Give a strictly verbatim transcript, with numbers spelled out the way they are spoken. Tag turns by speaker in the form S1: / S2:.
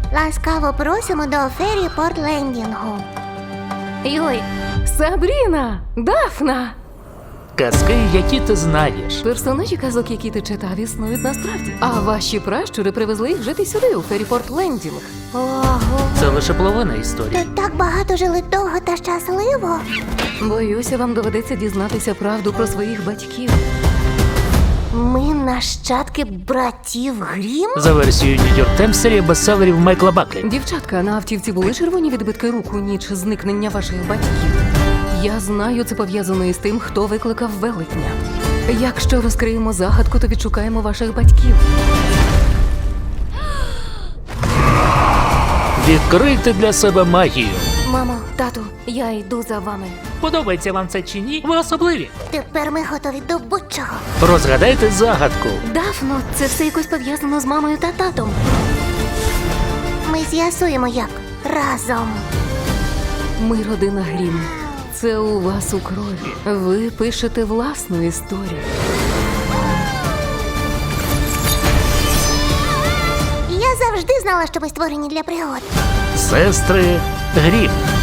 S1: Ласкаво просимо до фері Портлендінгу.
S2: Йой, Сабріна! Дафна!
S3: Казки, які ти знаєш.
S2: Персонажі казок, які ти читав, існують насправді. А ваші пращури привезли їх жити сюди, у Ферріпорт Лендінг.
S1: Ого.
S3: Це лише половина історії.
S1: Тут так багато жили довго та щасливо.
S2: Боюся, вам доведеться дізнатися правду про своїх батьків.
S1: Ми нащадки братів Грім?
S3: За версією Нью-Йорк Таймс, серія бестселерів Майкла Баклі.
S2: Дівчатка, на автівці були червоні відбитки рук у ніч зникнення ваших батьків. Я знаю, це пов'язано із тим, хто викликав велетня. Якщо розкриємо загадку, то відшукаємо ваших батьків.
S3: Відкрийте для себе магію.
S2: Мамо, тату, я йду за вами.
S3: Подобається вам це чи ні? Ви особливі.
S1: Тепер ми готові до будь-чого.
S3: Розгадайте загадку.
S2: Дафно, це все якось пов'язано з мамою та татом.
S1: Ми з'ясуємо як. Разом.
S2: Ми родина Грім. Це у вас у крові. Ви пишете власну історію.
S1: Я завжди знала, що ми створені для пригод.
S3: Сестри Грім.